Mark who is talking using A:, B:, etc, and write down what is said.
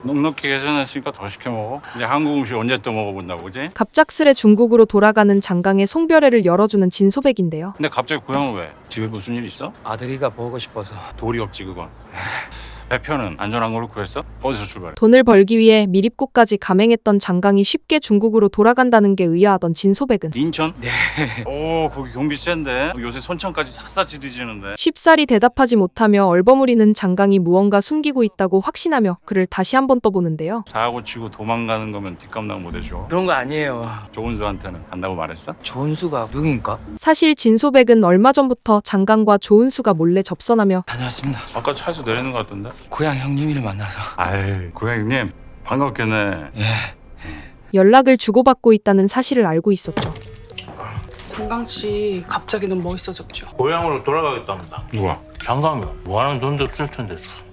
A: 넉넉히 계산했으니까 더 시켜 먹어. 이제 한국 음식 언제 또 먹어본다고, 그지?
B: 갑작스레 중국으로 돌아가는 장강의 송별회를 열어주는 진소백인데요.
A: 근데 갑자기 고향은 왜? 집에 무슨 일 있어?
C: 아들이가 보고 싶어서.
A: 돌이 없지 그건. 배편은 안전한 걸로 구했어? 어디서 출발해?
B: 돈을 벌기 위해 미립국까지 감행했던 장강이 쉽게 중국으로 돌아간다는 게 의아하던 진소백은
A: 인천? 네. 오, 거기 경비 센데. 요새 손천까지 샅샅이 뒤지는데.
B: 쉽사리 대답하지 못하며 얼버무리는 장강이 무언가 숨기고 있다고 확신하며 그를 다시 한번 떠보는데요.
A: 사고 치고 도망가는 거면 뒷감당 못 해줘.
C: 그런 거 아니에요.
A: 조은수한테는 간다고 말했어?
C: 조은수가 누구인가?
B: 사실 진소백은 얼마 전부터 장강과 조은수가 몰래 접선하며
C: 다녀왔습니다.
A: 아까 차에서 내리는 것 같던데?
C: 고향 형님이를 만나서.
A: 아이, 고양이님 반갑겠네.
C: 예.
B: 연락을 주고받고 있다는 사실을 알고 있었죠.
D: 장강씨 갑자기 너무 멋있어졌죠.
E: 고향으로 돌아가겠답니다.
A: 누가?
E: 장가면 뭐하는 돈도 쓸 텐데 참.